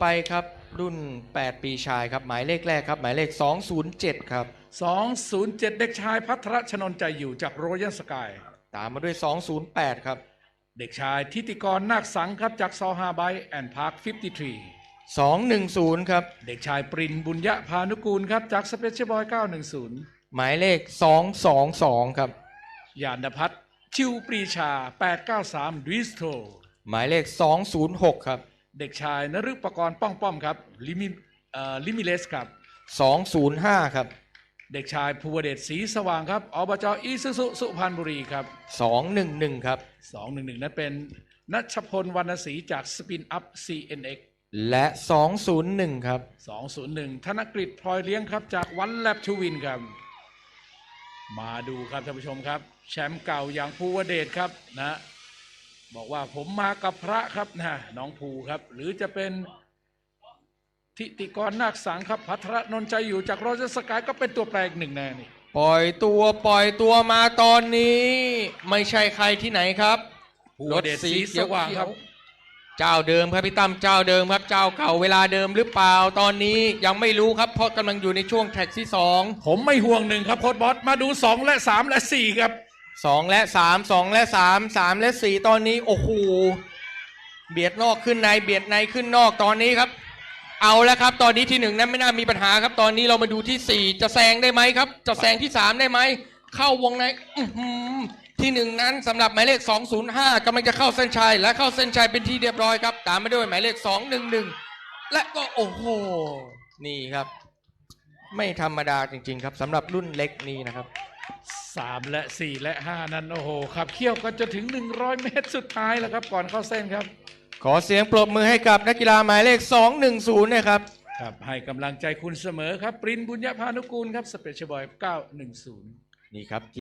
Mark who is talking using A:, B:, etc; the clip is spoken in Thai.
A: ไปครับรุ่น8ปีชายครับหมายเลขแรกครับหมายเลข207ครับ
B: 207เด็กชายพัทรชนนใจอยู่จากโรยัลสกาย
A: ตามมาด้วย208ครับ
B: เด็กชายทิติกรนาคสังครับจากซอฮาไบแอนด์พาร์ค53
A: 210ครับ
B: เด็กชายปรินบุญยพานุกูลครับจากสเปเชียลบอย910
A: หมายเลข222ครับ
B: ยานพัฒน์ชิวปรีชา893ดิสโท
A: หมายเลข206ครับ
B: เด็กชายนฤปกรณ์ป้องป้อมครับลิมิเลสครับ
A: 205ครับ
B: เด็กชายภูวเดชศรีสว่างครับอบจ.อีซุซุสุพรรณบุรีครับ
A: 211ครับ
B: 211นั้นเป็นณัชพลวรรณศรีจากสปินอัพ CNX
A: และ201ครับ
B: 201ธนกฤษพลอยเลี้ยงครับจากวันแลบทูวินครับมาดูครับท่านผู้ชมครับแชมป์เก่าอย่างภูวเดชครับนะบอกว่าผมมากับพระครับนะน้องภูครับหรือจะเป็นทิติกรนาคสังครับพัทรนนใจอยู่จากโรเจอร์สกายก็เป็นตัวแปรอีกหนึ่งแน่นี่
A: ปล่อยตัวมาตอนนี้ไม่ใช่ใครที่ไหนครับ
B: ภูวเดชศรีสว่างครับ
A: เจ้าเดิมครับพี่ตั้มเจ้าเดิมครับเจ้าเก่าเวลาเดิมหรือเปล่าตอนนี้ยังไม่รู้ครับเพราะกำลังอยู่ในช่วงแท็กที่2
B: ผมไม่ห่วง1ครับโค้ชบอสมาดู2และ3และ4ครับ
A: 2และ3 2และ3 3และ4ตอนนี้โอ้โหเบียดนอกขึ้นในเบียดในขึ้นนอกตอนนี้ครับเอาแล้วครับตอนนี้ที่1นั้นไม่น่ามีปัญหาครับตอนนี้เรามาดูที่4จะแซงได้ไหมครับจะแซงที่3ได้ไหมเข้าวงในที่1นั้นสำหรับหมายเลข205กำลังจะเข้าเส้นชัยและเข้าเส้นชัยเป็นที่เรียบร้อยครับตามมาด้วยหมายเลข211และก็โอ้โหนี่ครับไม่ธรรมดาจริงๆครับสำหรับรุ่นเล็กนี้นะครับ
B: 3และ4และ5นั้นโอ้โหขับเคี่ยวกันจนถึง100เมตรสุดท้ายแล้วครับก่อนเข้าเส้นครับ
A: ขอเสียงปรบมือให้กับนักกีฬาหมายเลข210นะครับ
B: ครับให้กำลังใจคุณเสมอครับปรินบุญยพานุกูลครับสเปเชียลบอย910
A: นี่ครับ